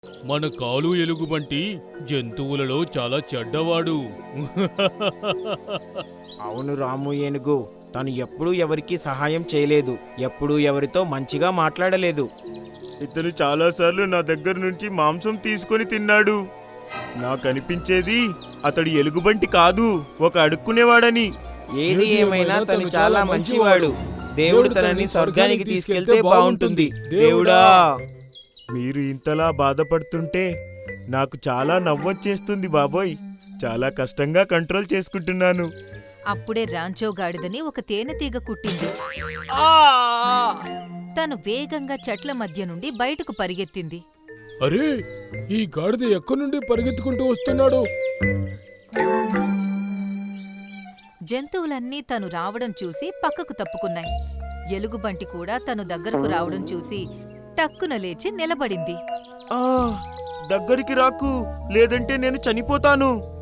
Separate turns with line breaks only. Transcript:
మన కాలు ఎలుగుబంటి జంతువులలో చాలా చెడ్డవాడు.
అవును రాము ఏనుగు, తను ఎప్పుడూ ఎవరికీ సహాయం చేయలేదు, ఎప్పుడూ ఎవరితో మంచిగా మాట్లాడలేదు.
ఇతను చాలాసార్లు నా దగ్గర నుంచి మాంసం తీసుకొని తిన్నాడు. నాకనిపించేది అతడు ఎలుగుబంటి కాదు, ఒక అడుక్కునేవాడని.
ఏది ఏమైనా తను చాలా మంచివాడు. దేవుడు తనని స్వర్గానికి తీసుకెళ్తే బాగుంటుంది. దేవుడా!
మీరు ఇంతలా బాధపడుతుంటే నాకు చాలా నవ్వొచ్చేస్తుంది బాబోయ్. చాలా కష్టంగా కంట్రోల్ చేసుకుంటున్నాను.
అప్పుడే రాంచో గాడిదని ఒక తేనెతీగ కుట్టింది. తను వేగంగా చెట్ల మధ్య నుండి బయటకు పరిగెత్తింది.
అరే, ఈ గాడిద ఎక్కడి నుండి పరిగెత్తుకుంటూ వస్తున్నాడు?
జంతువులన్నీ తను రావడం చూసి పక్కకు తప్పుకున్నాయి. ఎలుగుబంటి కూడా తను దగ్గరకు రావడం చూసి టక్కున లేచి నిలబడింది.
దగ్గరికి రాకు, లేదంటే నేను చనిపోతాను.